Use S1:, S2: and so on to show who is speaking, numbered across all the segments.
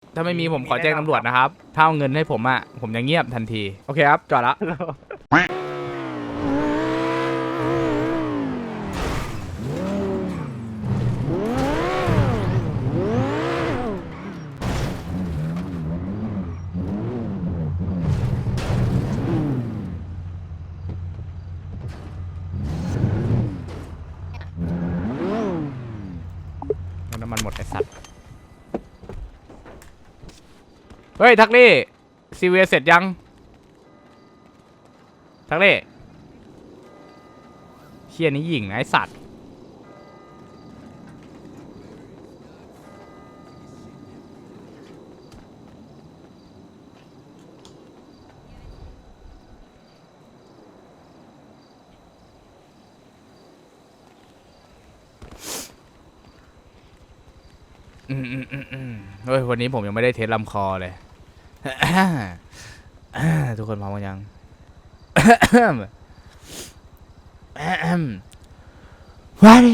S1: ถ้าไม่มีผมขอแจ้งตำรวจนะครับถ้าเอาเงินให้ผมอะผมจะเงียบทันทีโอเคครับจอดละน้ำมันหมดไอสัตว์เฮ้ยทักลี่ซีเวียเสร็จยังทักลี่เชี่ยนี้หญิงนะไอสัตว์เฮ้ยวันนี้ผมยังไม่ได้เทสลำคอเลย ทุกคนพร้อมกันยัง ว่าดิ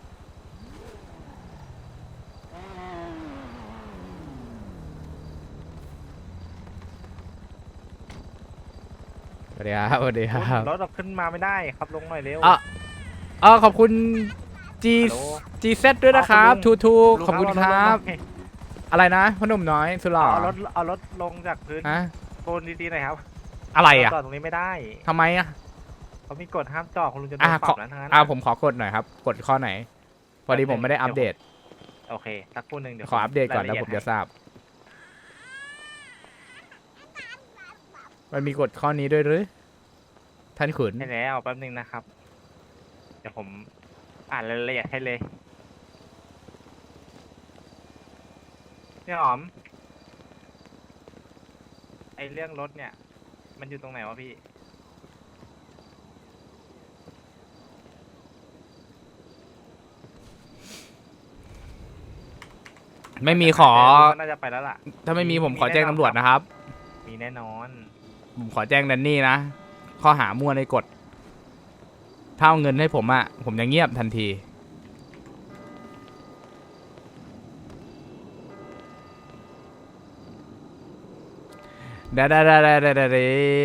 S1: สวัสดีครับสวัสดีครับ
S2: รถเราขึ้นมาไม่ได้ครับลงหน่อยเร็ว
S1: ขอบคุณ G
S2: ฮัลโหล
S1: GZ ด้วยนะครับทูทู
S2: ลุง
S1: ขอบคุณ
S2: เา
S1: ค
S2: ถ
S1: รับ
S2: ลงหน่อย
S1: อะไรนะพ่อหนุ่มน้อยสุดหล่อ
S2: เอารถลงจากพื้น
S1: ฮะ
S2: โซนดีๆหน่อยครับ
S1: อะไรอ่ะ
S2: จอดตรงนี้ไม่ได้
S1: ทำไมอ่ะ
S2: เขามีกฎห้ามจอดคุณลุงจะโด
S1: อ่ะ
S2: นป
S1: ข
S2: รั
S1: อบ
S2: นะทั้งนั้น
S1: ผมขอกดหน่อยครับ กดข้อไหน พอดีผมไม่ได้อัปเดต
S2: โอเคสักครู่หนึ่งเดี๋ยว
S1: ขออัปเดตก่อนแล้ว
S2: ราย
S1: ผ
S2: ละ
S1: ม
S2: เอีย
S1: จะ
S2: ด
S1: ทราบ มันมีกฎข้อนี้ด้วยหรือ ท่านขุน
S2: ให้แล้วแป๊บนึงนะครับ เดี๋ยวผมอ่านรายละเอียดให้เลยพี่หอมไอเรื่องรถเนี่ย มันอยู่ตรงไหนวะพี่
S1: ไม่มีขอ
S2: น่าจะไปแล้วล่ะ
S1: ถ้าไม่มีผมขอแจ้งตำรวจนะครับ
S2: มีแน่นอน
S1: ผมขอแจ้งแดนนี่นะ ข้อหามั่วในกฎ ถ้าเอาเงินให้ผมอะผมจะเงียบทันที ได้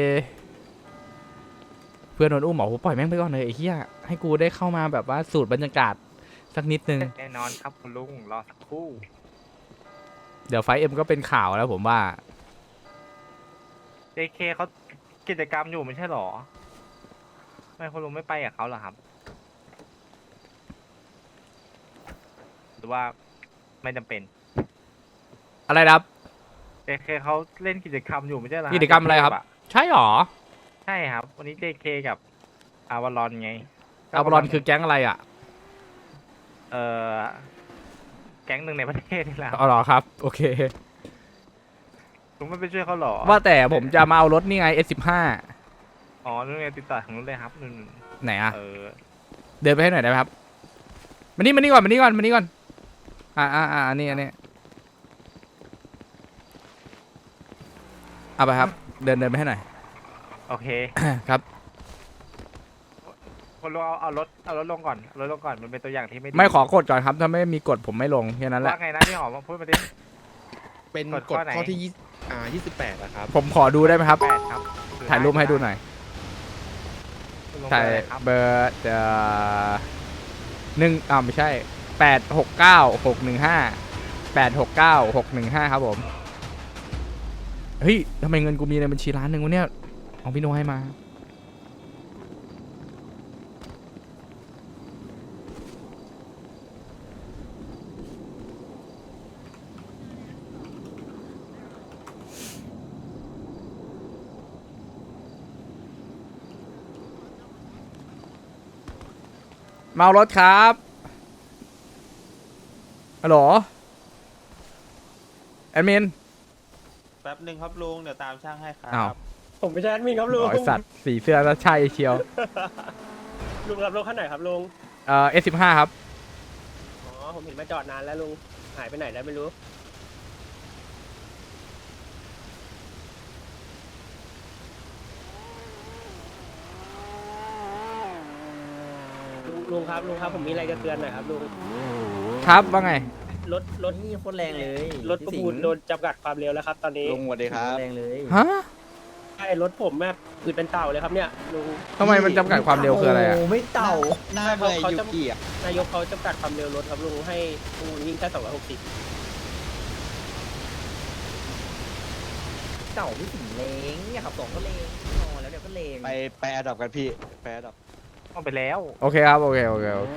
S1: เพื่อนโดนอุ้มบอกว่าปล่อยแม่งไปก่อนเลยไอ้เหี้ยให้กูได้เข้ามาแบบว่าสูตรบรรยากาศสักนิดนึง
S2: แน่นอนครับคุณลุงรอสักครู่
S1: เดี๋ยวไฟเอ็มก็เป็นข่าวแล้วผมว่า
S2: JK เขากิจกรรมอยู่ไม่ใช่หรอไม่คุณลุงไม่ไปกับเขาเหรอครับ หรือว่าไม่จำเป็น
S1: อะไรนะครับ
S2: JK เขาเล่นกิจกรรมอยู่ไม่ใช่เหรอ
S1: กิจกรรมอะไรครับ ใช่หรอ
S2: ใช่ครับ วันนี้ JK กับอาวารอนไง
S1: อาบอลอนคือแก๊งอะไรอะ
S2: เออแก๊งหนึ่งในประเทศนี่แหละ
S1: อ๋อเหรอครับ โอเค
S2: ลุงไม่ไปช่วยเขาหรอ
S1: ว่าแต่ผมจะมาเอารถนี่ไง S15
S2: อ๋อนู่นไงติดต่อของนู้นเลยครับนู่น
S1: ไหนอะ
S2: เออ
S1: เดินไปให้หน่อยได้ไหมครับมานี่ก่อนอันนี้เอาไปครับ เดินไปให้หน่อย
S2: โอเค
S1: ครับ
S2: คุณลุงเอารถลงก่อนเอารถลงก่อนมันเป็นตัวอย่างที่ไม่ดี
S1: ไม่ขอกดก่อนครับ ถ้าไม่มีกฎผมไม่ลงแค่นั้นแหละ
S2: ว่าไงนะพี่หอมพูดมาดิ
S3: เป็น
S2: ก
S3: ก
S2: ฎ
S3: ฎ
S2: ข้อไหน
S3: ข้อที่28นะครับ
S1: ผมขอดูได้ไหมครับ
S2: 8ครับ
S1: ถ่ายรูปให้ดูหน่อย
S2: คุณลุง
S1: ถ่าย
S2: เบอร์อะไรครับ
S1: เบอร์ไม่ใช่869 615ครับผม เฮ้ยทำไมเงินกูมีในบัญชีล้านหนึ่งวะเนี่ยของพี่โนให้มา เมารถครับฮัลโหลแอดมิน
S4: แป๊บหนึ่งครับลุงเดี๋ยวตามช่างให้ครั
S1: อ้าว
S4: บ
S5: ผมไม่ใช่แอดมินครับลุง
S1: ไอสัตว์สีเสื้อแล้วใช่เชียว
S5: ลุงรับรถคันไหนครับลุง
S1: S15 ครับ
S5: อ๋อ ผมเห็นมาจอดนานแล้วลุง หายไปไหนแล้วไม่รู้ ลุงครับผมมีอะไรจะเตือนหน่อยครับลุง
S1: ครับว่าไง
S5: รถ
S6: นี่โคตรแรงเลย
S5: รถประมูลโดนจำกัดความเร็วแล้วครับ ตอนนี้
S3: ลุงสวัสดีครับ
S6: แรงเลย
S1: ฮะ
S5: ใช่รถผมแบบอืดเป็นเต่าเลยครับเนี่ยลุง
S1: ทำไมมันจำกัดความเร็วคืออะไรอ่ะ
S6: โไม่เต่า
S3: หน้าเบื่อ
S5: เขา
S3: ยู
S5: จะ
S3: กิอ่ะ
S5: นายกเขาจำกัดความเร็วรถครับลุงให้ลุงวิ่งแค่260
S6: เต่าพี่สิงเลงเนี่ยขับสองก็เลงนอนแล้วเดี๋ยวก็เลง
S3: ไปแอดดอปกันพี่ไปแอดดอป
S2: เอาไปแล้ว
S1: โอเคครับ โอเค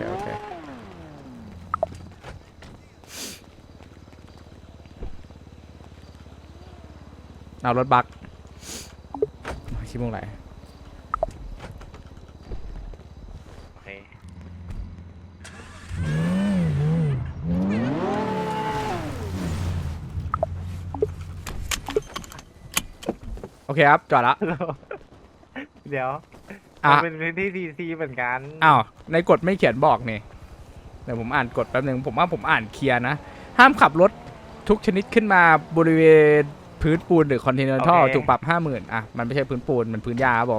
S1: เอารถบักชิมงไหน
S2: โอเค
S1: โอเคครับ จอดละ
S2: เดี๋ยว
S1: อ่ะ
S2: มันเป็นพื้นที่ดีซีเหมือนกัน
S1: อ้าว ในกฎไม่เขียนบอกนี่เดี๋ยวผมอ่านกฎแป๊บนึง ผมว่าผมอ่านเคลียร์นะ ห้ามขับรถทุกชนิดขึ้นมาบริเวณพื้นปูนหรือคอนเทนเนอร์ท่อถูกปรับ 50,000อ่ะ มันไม่ใช่พื้นปูน มันพื้นหญ้าครับผม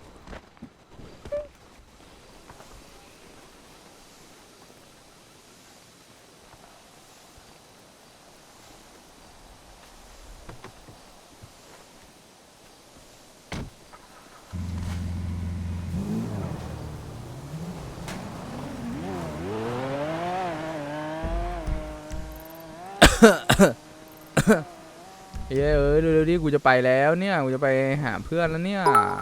S1: เฮ้ยเร็วๆดิกูจะไปแล้วเนี่ย กูจะไปหาเพื่อนแล้วเนี่ย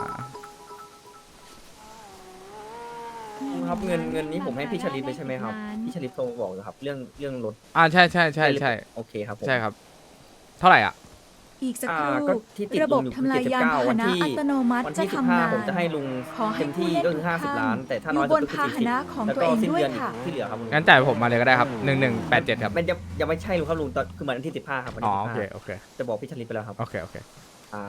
S6: ครับเงินนี้ผมให้พี่ชลิดไปใช่ไหมครับพี่ชลิดโทรมาบอกนะครับ เรื่องรถ
S1: ใช่
S6: โอเคครับผม
S1: ใช่ครับ เท่าไหร่อ่ะ
S7: อีกสักค
S6: ก็
S7: รู่
S6: ที่ติด
S7: ระบบ
S6: ลุงอยู่
S7: ทำลายยานพาห
S6: วัน
S7: นะ
S6: ที่
S7: อัตโนมัติ
S6: วัน
S7: จะ
S6: ที่
S7: ทำงาน
S6: 15ผมจะให้ลุง
S7: ขอให้
S6: เต็มที่
S7: ผู้เล่น
S6: ก็คือ
S7: ทุกท่าน
S6: 50 ล้าน แต่ถ้าน้อย
S7: อยู่บน
S6: สุดก็คือ
S7: พาหนะของ
S6: 40แล้ว
S7: ตัว
S6: ก็
S7: เอง
S6: สิ้น
S7: ด้วย
S6: เดือน
S7: ค่ะ
S6: ที่เหลือครับลุง
S1: งั้นจ่ายผมมาเลยก็ได้ครับ 1187 ครับ
S6: มันยังไม่ใช่ลุงครับลุงตอนคือวันที่15ครับวัน
S1: อ๋อ
S6: ที่
S1: โอเค
S6: 15จะบอกพี่ชลิดไปแล้วครับ
S1: โอเค
S6: ครับ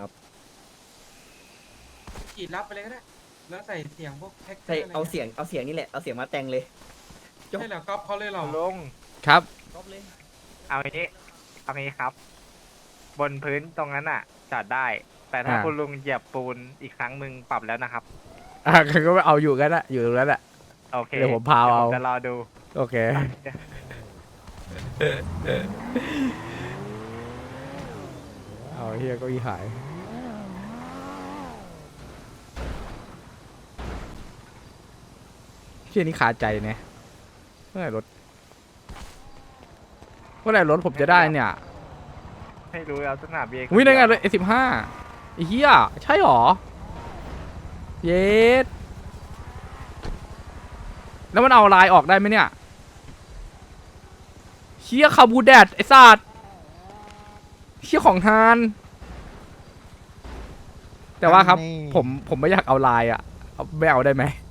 S8: กรีดรับไปเลยก็ได้ แล้วใส่เสียงพวกแท็ก
S6: ใช่เอาเสียงนี่แหละเอาเสียงมาแต่งเลย
S8: ใช่เหรอก๊อปเขาเลยเหรอ
S2: ลุง
S1: ครับ
S6: ครบเลย
S2: เอาอย่างนี้เอาอย่างนี้ครับ บนพื้นตรงนั้นอ่ะจอดได้ แต่ถ้า
S1: อ่า
S2: คุณลุงเหยียบปูนอีกครั้งมึงปรับแล้วนะครับ
S1: ก็เอาอยู่กันละอยู่ตรงนั้นแหละ
S2: โอเค
S1: เดี๋ยวผมพาเอา
S2: ดี๋ยวผมจะรอดู
S1: โอเค เอาเฮียเก็อีหายเชี่ยนี่คาใจเนี่ยเมื่อไหร่รถผมจะได้เนี่ย
S2: ให้รู้แล้วสนามเบียร์
S1: วิ่งได้ไงเลย15ไอ้เหี้ยใช่หรอ เยสแล้วมันเอาลายออกได้ไหมเนี่ยเชี่ยคาบูแดดไอ้สัตว์เชี่ยของทาน แต่ว่าครับ ผมไม่อยากเอาลายอ่ะไม่เอาได้ไหม